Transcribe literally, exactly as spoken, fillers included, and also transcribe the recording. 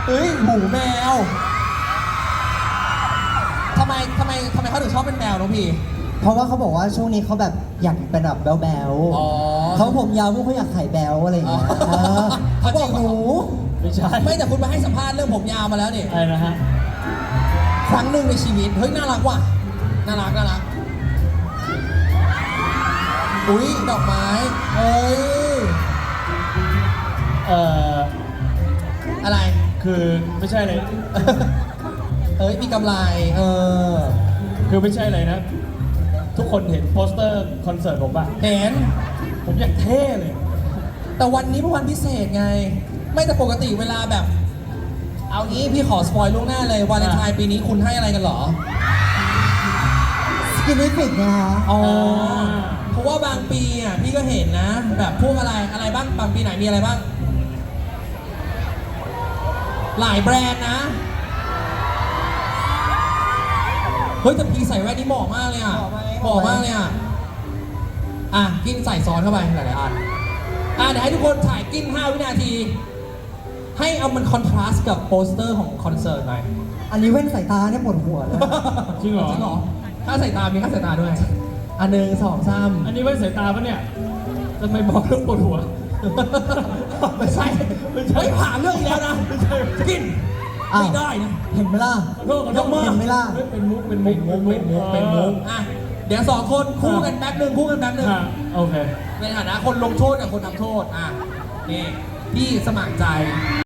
เฮ้ยหมูแมวทำไมทำไมทำไมเขาถึงชอบเป็นแมวน้องพี่เพราะว่าเขาบอกว่าช่วงนี้เขาแบบอยากเป็นแบบแบ๊วอ๋อๆเขาผมยาวพวกเขาอยากไข่แบ๊วอะไรอย่างเงี้ยอ๋อเออเขาบอกหนูไม่ใช่ไม่แต่คุณมาให้สัมภาษณ์เรื่องผมยาวมาแล้วนี่อะไรนะฮะครั้งหนึ่งในชีวิตเฮ้ยน่ารักว่ะน่ารักน่ารักอุ้ยดอกไม้เอ้ยเอ่ออะไรคือไม่ใช่เลยเอ้ยมีกำไรเออคือไม่ใช่เลยนะ ทุกคนเห็นโปสเตอร์คอนเสิร์ตผมป่ะเห็นผมอยากเท่เลยแต่วันนี้เป็นวันพิเศษไง ไม่แต่ปกติเวลาแบบ เอางี้พี่ขอสปอยล่วงหน้าเลยวาเลนไทน์ปีนี้คุณให้อะไรกันเหรอสกินนิฟิกนะคะอ๋อ เพราะว่าบางปีอ่ะพี่ก็เห็นนะ แบบพวกอะไรอะไรบ้างบางปีไหนมีอะไรบ้าง หลายแบรนด์นะ เฮ้ยแต่พี่ใส่แว่นนี่เหมาะมากเลยอ่ะเหมาะมากเลยอ่ะ อ่ะกินใส่ซอสเข้าไปหลายๆอันอ่ะเดี๋ยวให้ทุกคนถ่ายกินห้าวินาที ให้เอามันคอนทราสต์กับโปสเตอร์ของคอนเสิร์ตหน่อยอันนี้แว่นสายตาเนี่ยปวดหัวเลยจริงเหรอจริงเหรอค่าสายตา มีค่าสายตาด้วย อันหนึ่งสองสามอันนี้ไว้สายตาปะเนี่ยทำไมบอกเรื่องปวดหัวไม่ใช่ไม่ใช่ผ่านเรื่องอีกแล้วนะกินอ้าวไม่ได้นะเห็นไหมล่ะขอโทษขอโทษยกมือเห็นไหมล่ะเฮ้ยเป็นมุก เป็นมุเป็นกมุกเป็นมุกเป็นมุกอ่ะเดี๋ยวสองคนคู่กันแป๊บหนึ่งคู่กันแป๊บหนึ่งฮะโอเคในฐานะคนลงโทษกับคนทำโทษอ่ะนี่พี่สมัครใจ